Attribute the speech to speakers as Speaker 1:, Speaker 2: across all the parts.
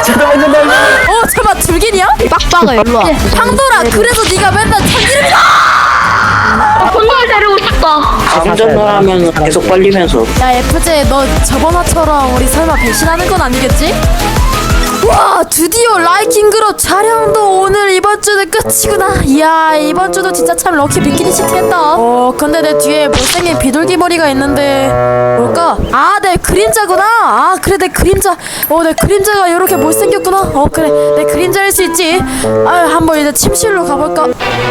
Speaker 1: 잠깐만 줄기냐?
Speaker 2: 빡빡아 일로와.
Speaker 1: 팡돌아 그래서 네가 맨날 참기름이다.
Speaker 2: 콘돌 데리고 싶다.
Speaker 3: 감전을 하면 계속 빨리면서.
Speaker 1: 야 FJ 너 저번화처럼 우리 설마 배신하는 건 아니겠지? 와 드디어 라이킹 그룹 촬영도 오늘 이번 주는 끝이구나. 이야 이번 주도 진짜 참 럭키 비키니 시티 했다. 근데 내 뒤에 못생긴 비둘기 머리가 있는데 뭘까? 아 내 그림자구나. 아 그래 내 그림자. 내 그림자가 이렇게 못생겼구나. 그래 내 그림자일 수 있지. 아유 한번 이제 침실로 가볼까?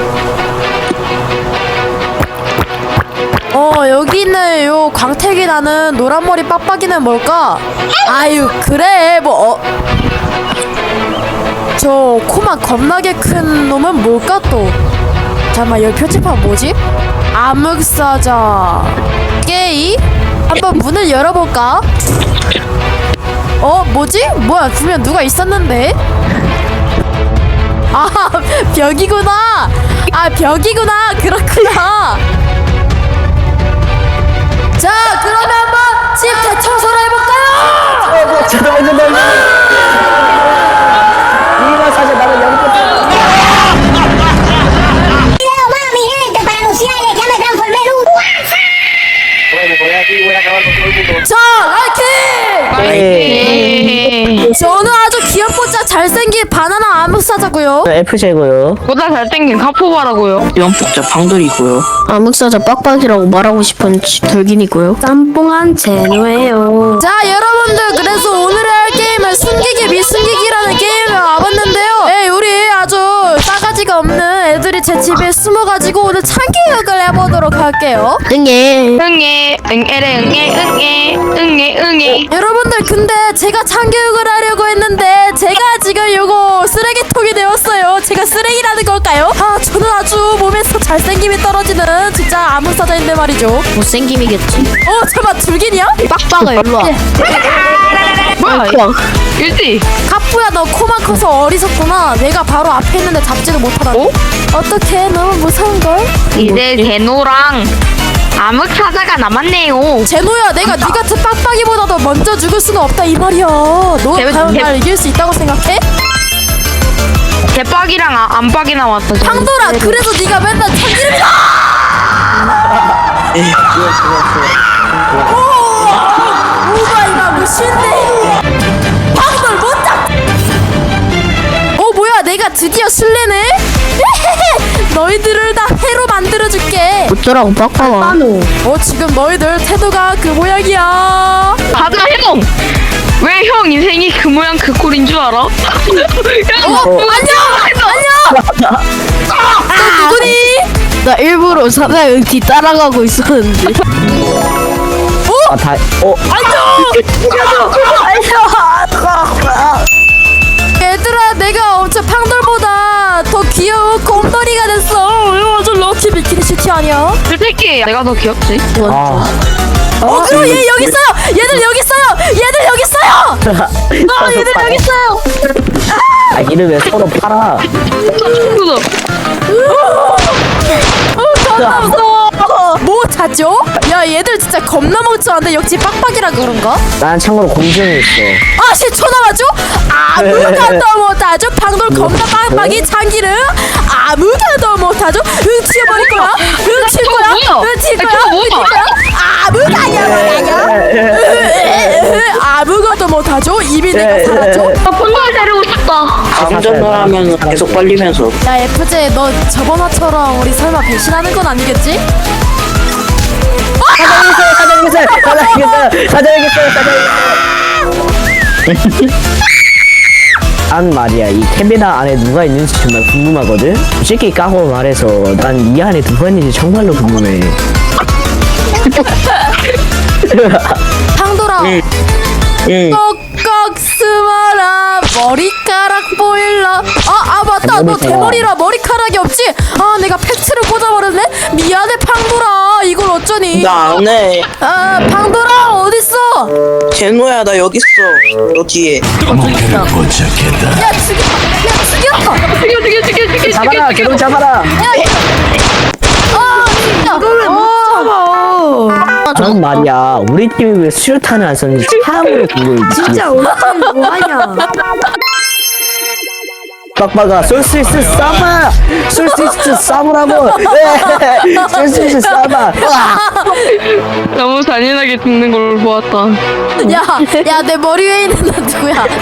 Speaker 1: 여기 있는 요 광택이 나는 노란머리 빡빡이는 뭘까? 아유 그래 저 코만 겁나게 큰 놈은 뭘까 또? 잠깐만 여기 표지판 뭐지? 암흑사자 게이? 한번 문을 열어볼까? 뭐지? 뭐야 분명 누가 있었는데? 아 벽이구나. 아 벽이구나. 그렇구나. 자 그러면 한번 집 대청소를 해볼까요?
Speaker 3: 잠깐만. 이거 사실 나는 연꽃.
Speaker 1: 자 라이킹! 저는 아주 귀엽고짜 잘생긴 바나나 암흑사자고요.
Speaker 3: FJ고요.
Speaker 2: 보다 잘생긴 카포바라고요.
Speaker 3: 연폭자 방돌이고요.
Speaker 2: 암흑사자 빡빡이라고 말하고 싶은 돌긴이고요. 짬뽕한 제노예요.
Speaker 1: 자 여러분들 그래서 오늘 할 게임은 숨기기 미숨기기라는 게임을 와봤는데요. 우리 아주 싸가지가 없는 애들이 제 집에 숨어가지고 오늘 참기역을 해보도록 할게요.
Speaker 2: 응애.
Speaker 1: 여러분들 근데 제가 참교육을 하려고 했는데 제가 지금 요거 쓰레기통이 되었어요. 제가 쓰레기라는 걸까요? 저는 아주 몸에서 잘생김이 떨어지는 진짜 암흑사자인데 말이죠.
Speaker 2: 못생김이겠지.
Speaker 1: 잠깐만 줄기냐?
Speaker 2: 빡빡아 일로와.
Speaker 4: 뭐야 일지
Speaker 1: 카푸야 너 코만 커서 어리석구나. 내가 바로 앞에 있는데 잡지도 못하다니. 어떡해 너무 무서운걸?
Speaker 4: 이제 제노랑 암흑사자가 남았네요.
Speaker 1: 제노야 내가 네 같은 빡빡이보다도 먼저 죽을 수는 없다 이 말이야. 너 과연 날 이길 수 있다고 생각해?
Speaker 4: 대박이랑 안박이 나왔어.
Speaker 1: 팡돌아 그래서 네가 맨날 참기름이다. 오마이가 무신데 팡돌 못잡. 뭐야 내가 드디어 술래네. 너희들을 다 해로 만들어줄게.
Speaker 2: 어쩌라고 빡빡아.
Speaker 1: 지금 너희들 태도가 그 모양이야.
Speaker 4: 가자 형. 왜 형 인생이 그 모양 그 꼴인 줄 알아? 형,
Speaker 1: 안녕. 너 누구니?
Speaker 2: 나 일부러 사장 뒤 따라가고 있었는데.
Speaker 1: 얘들아 내가 엄청 팡돌보다 더 귀여운 곰돌이가 됐어. 이거 완전 럭키 비키니 시티 아니야?
Speaker 4: 솔직히 내가 더 귀엽지.
Speaker 1: 그럼 얘 여기 있어요. 얘들 여기 있어요. 얘들 여기 있어요. 얘들 여기 있어요.
Speaker 3: 이를 왜 서로 팔아?
Speaker 1: 겁나 무서워. 뭐 찾죠? 야 얘들 진짜 겁나 멍청한데 역시 빡빡이라 그런가?
Speaker 3: 난 참고로 공증이 있어.
Speaker 1: 10초 남았죠? 아무것도 못하죠? 방돌 겁나 빡빡이 참기름 아무것도 못하죠? 튀어버릴 거야? 튀을 거야? 튀을 거야? 아무것도 아무것도 못하죠? 이미 내가 살았죠?
Speaker 4: 콘돌 데리고 싶다.
Speaker 3: 감전을 하면 계속 빨리면서.
Speaker 1: 야 FJ 너 저번화처럼 우리 설마 배신하는 건 아니겠지?
Speaker 3: 사장이겠어요. 난 말이야 이 캐비나 안에 누가 있는지 정말 궁금하거든. 솔직히 까고 말해서 난 이 안에 누가 있는지 정말로 궁금해.
Speaker 1: 팡돌아 꼭꼭 숨어라 머리카락 보일라. 맞다 너 대머리라 머리카락이 없지? 내가 팩트를 꽂아버렸네. 미안해 팡돌아. 이걸 어쩌니?
Speaker 5: 나 안 해.
Speaker 1: 팡돌아 어딨어?
Speaker 5: 제노야 나 여기 있어. 너 뒤에.
Speaker 1: 야 죽여.
Speaker 3: 잡아라 개로 잡아라. 난 말이야 우리 팀이 왜 수류탄을 안 썼는지 참으로 궁금해.
Speaker 2: 진짜 우리 팀 뭐하냐?
Speaker 3: 빡빡아 쏠 수 있어 쏴봐. 쏠 수 있어 쏴보라고. 쏠 수 있어 쏴봐.
Speaker 4: 너무 잔인하게 죽는 걸 보았다.
Speaker 1: 야 내 머리 위에 있는 애 누구야? 야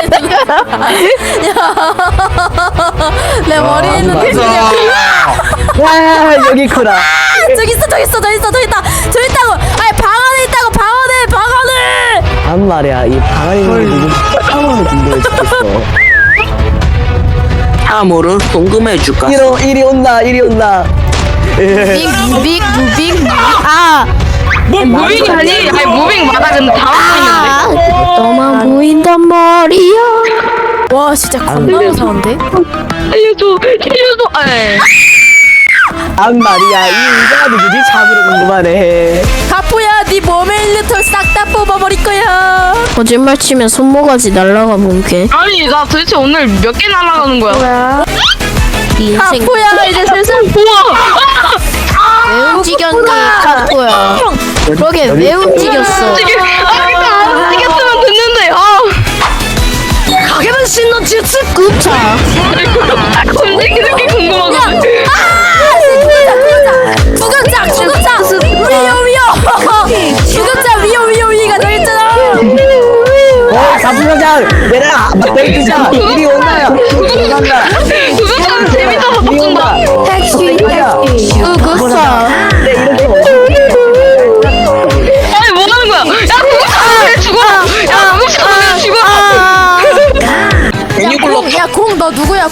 Speaker 1: 내 머리 위에 있는 애 누구야?
Speaker 3: 와 여기 있구나.
Speaker 1: 저기 있어 저기 있다고. 아니 방 안에 있다고. 방 안에.
Speaker 3: 난 말이야 이 방 안에 있는 게 누구 참으로 궁금해 죽겠어.
Speaker 5: 참으로 궁금해줄까?
Speaker 3: 이리 온다.
Speaker 2: 무빙. 아,
Speaker 4: 뭐 무빙이 아니? 아니 무빙 맞아 근데 다 보이는데.
Speaker 2: 너만 보인단 말이야.
Speaker 1: 와 진짜 겁나 무서운데?
Speaker 4: 알려줘. 아이.
Speaker 3: 난 말이야 이 의자가 누구지 참으로 궁금하네.
Speaker 1: 가포야 네 몸에 있는 털 싹 다 뽑아버릴 거야.
Speaker 2: 거짓말 치면 손모가지 날라가 본게.
Speaker 4: 아니 나 도대체 오늘 몇 개 날아가는 거야?
Speaker 2: 네 인생
Speaker 1: 가포야 이제 슬슬
Speaker 4: 우와.
Speaker 2: 왜 움직였니 카토야? 그러게 왜 움직였어?
Speaker 4: 지금 안 움직였으면 됐는데.
Speaker 2: 가게는 신노 주스 굽차.
Speaker 4: 움직이는 게 궁금하거든.
Speaker 1: 구급장 위가 너 있잖아.
Speaker 3: 가부장장 내가 막대기 뜨자. 이리 온다요. 온다.
Speaker 4: 그거처럼 재밌어서
Speaker 3: 이리 온다.
Speaker 4: 바꾼다.
Speaker 2: 택시 구급차.
Speaker 4: 아니 뭐 하는 거야? 야 그거처럼 왜 죽어? 야 그거처럼 왜 죽어?
Speaker 5: 괜히 굴렀다.
Speaker 1: 야공 너 누구야?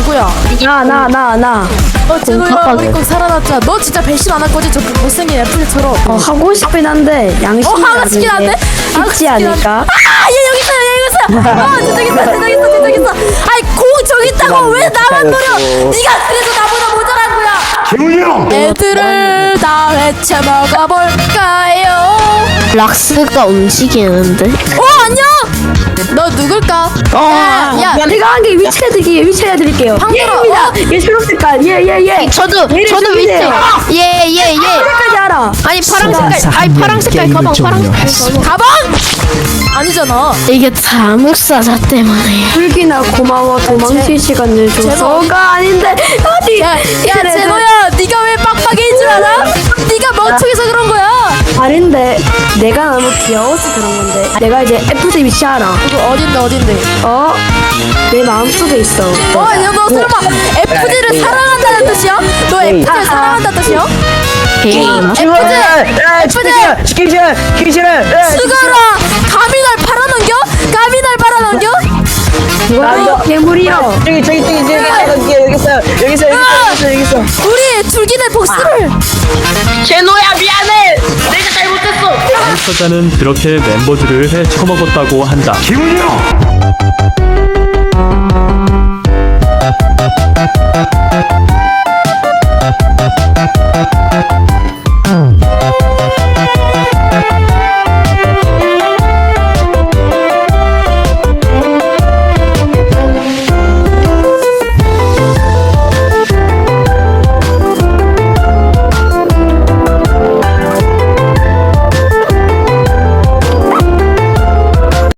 Speaker 2: 나.
Speaker 1: 제노야 우리 꼭 살아났자. 너 진짜 배신 안 할 거지? 저 못생긴 애플처럼.
Speaker 2: 하고 싶긴 한데 양심이
Speaker 1: 하고 싶긴 한데?
Speaker 2: 쉽지 않을까?
Speaker 1: 얘 여기 있어요. 저기 있어. 아이 공 저기 있다고 왜 나만 노려? 네가 그래서 나보다 모자란 거야. 애들을 다 해쳐 먹어볼까요?
Speaker 2: 락스가 움직이는데.
Speaker 1: 안녕. 너 누굴까? 야
Speaker 2: 내가 한 게 위치 해드릴게요.
Speaker 1: 황돌아.
Speaker 2: 얘 초록색깔. 얘. 저도 위치. 얘. 색깔이 알아. 아니 파랑 색깔 가방.
Speaker 1: 가방? 아니잖아.
Speaker 2: 이게 다 묵사자 때문에. 불기나 고마워 도망칠 시간을 줘서가 아닌데 어디?
Speaker 1: 야 제노야 네가 왜 빡빡이인 줄 알아? 네가 멍청해서 그런 거야.
Speaker 2: 아닌데 내가 너무 귀여워서 그런 건데. 내가 이제 FJ 위치 알아.
Speaker 1: 이거 어딘데?
Speaker 2: 내 마음속에 있어.
Speaker 1: 야, 너 설마 FG를 사랑한다는 뜻이야? 너 FG를 사랑한다는 뜻이야?
Speaker 3: 시키기 싫어.
Speaker 1: 수가라! 감히 날 팔아넘겨?
Speaker 2: 괴물이요.
Speaker 3: 저기 여기 있어.
Speaker 1: 우리 줄기들 복수를!
Speaker 4: 제노야 미안해. 내가 잘못했어.
Speaker 6: 당사자는 그렇게 멤버들을 해쳐먹었다고 한다. 기훈이 형!